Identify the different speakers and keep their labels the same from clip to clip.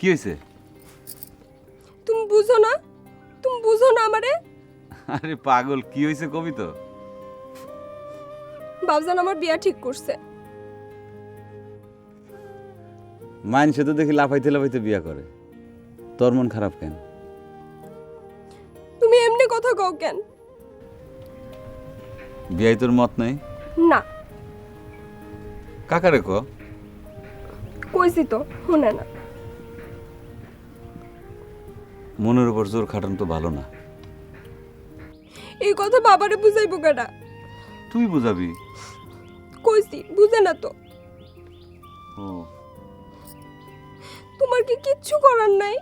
Speaker 1: কি হয়েছে?
Speaker 2: তুমি বুঝো না? তুমি বুঝো না আমারে?
Speaker 1: আরে পাগল, কি হয়েছে কবি তো।
Speaker 2: বাবজান আমার বিয়া ঠিক করছে।
Speaker 1: মাইনসে তো দেখি লাফাইতে লাফাইতে বিয়া করে, তোর মন খারাপ কেন?
Speaker 2: তুমি এমনি কথা কও কেন?
Speaker 1: বিয়াই তোর মত নাই?
Speaker 2: না
Speaker 1: কাকারে ক।
Speaker 2: কইছি তো, শুনে না।
Speaker 1: মনের উপর জোর খাটানো তো ভালো না।
Speaker 2: এই কথা বাবারে বুঝাইবো কেডা?
Speaker 1: তুই বুঝাবি।
Speaker 2: কইছি বুঝে না তো।
Speaker 1: ও,
Speaker 2: তোমার কি কিচ্ছু করার নাই?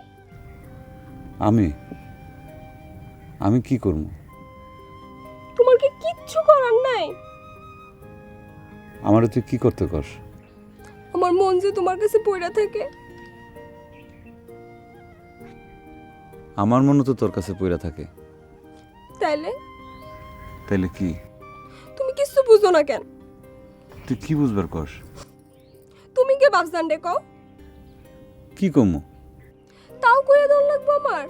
Speaker 1: আমি কি করব?
Speaker 2: তোমার কি কিচ্ছু করার নাই?
Speaker 1: আমারে তুই কি করতে কস?
Speaker 2: আমার মন যে তোমার কাছে পড়া থাকে।
Speaker 1: আমার মনে তো তোর কাছে পইরা থাকে।
Speaker 2: তাইলে
Speaker 1: তাইলে কি?
Speaker 2: তুমি কিচ্ছু বুঝো না কেন?
Speaker 1: তুই কি বুঝবার কস?
Speaker 2: তুমি কে বাবজান রে কও?
Speaker 1: কি কমু?
Speaker 2: তাও কইয়া দন লাগবো আমার?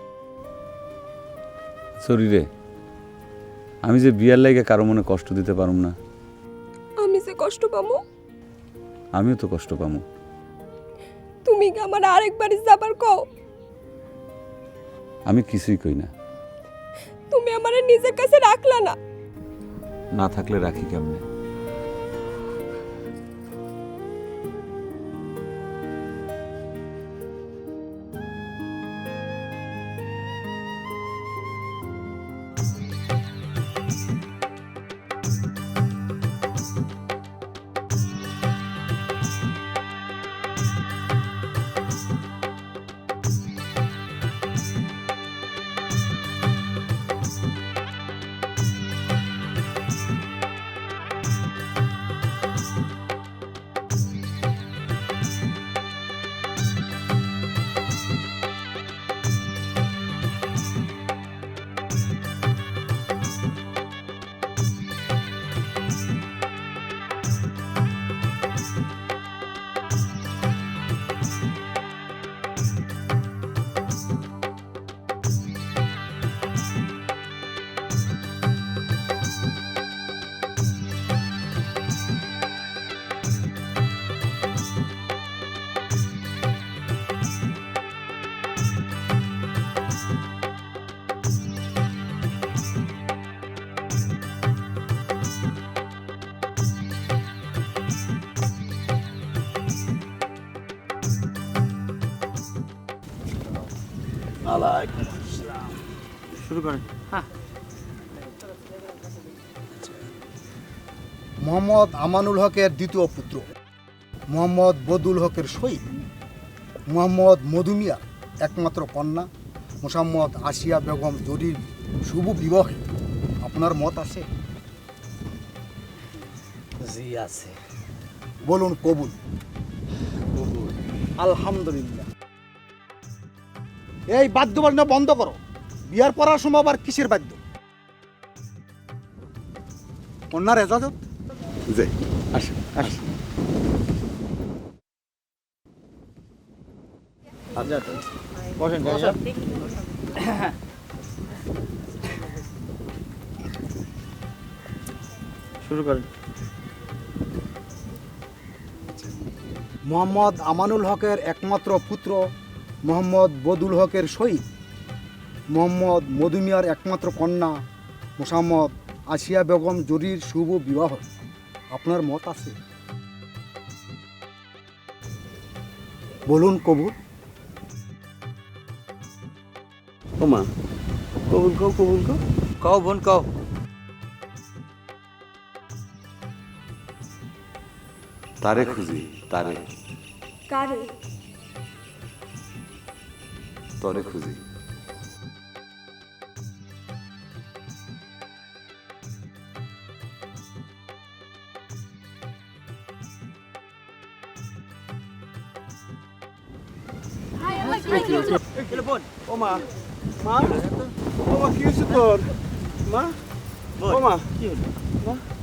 Speaker 1: সরি রে, আমি যে বিয়ার লাগে কারো মনে কষ্ট দিতে পারুম না।
Speaker 2: আমি যে কষ্ট পামু?
Speaker 1: আমিও তো কষ্ট পামু।
Speaker 2: তুমি কি আমার আরেকবার যাবার কও?
Speaker 1: আমি কিছুই কই না।
Speaker 2: তুমি আমারে নিজের কাছে রাখলা না।
Speaker 1: না থাকলে রাখি কেমনে?
Speaker 3: শুরু করেন।
Speaker 4: মোহাম্মদ আমানুল হকের দ্বিতীয় পুত্র মোহাম্মদ বদুল হকের শহীদ মোহাম্মদ মধুমিয়া একমাত্র কন্যা মোসাম্মদ আসিয়া বেগম জরির শুভ বিবাহে আপনার মত আছে?
Speaker 3: জি আছে।
Speaker 4: বলুন কবুল।
Speaker 3: আলহামদুলিল্লাহ। এই বাদ্য বাজনা বন্ধ করো। বিয়ার পড়ার সময় আবার কিসের বাদ্য? কন্যার এজাজত।
Speaker 1: যে আসেন আসেন।
Speaker 3: বসেন শুরু করেন।
Speaker 4: মোহাম্মদ আমানুল হকের একমাত্র পুত্র মোহাম্মদ বদুল হকের শহীদ মোহাম্মদ মধুমিয়ার একমাত্র কন্যা মোসাম্মদ আসিয়া বেগম জরির শুভ বিবাহ আপনার মত আছে? বলুন কবুল।
Speaker 3: ওমা কবুল কও, কবুল কও।
Speaker 5: কও বোন কও।
Speaker 1: তারে খুঁজি, তারে
Speaker 2: কারে?
Speaker 1: তরে খুঁজি।
Speaker 3: ওমা মা, ওমা কি হয়েছে তোর? মা, ওমা
Speaker 5: কি হলো?
Speaker 3: মা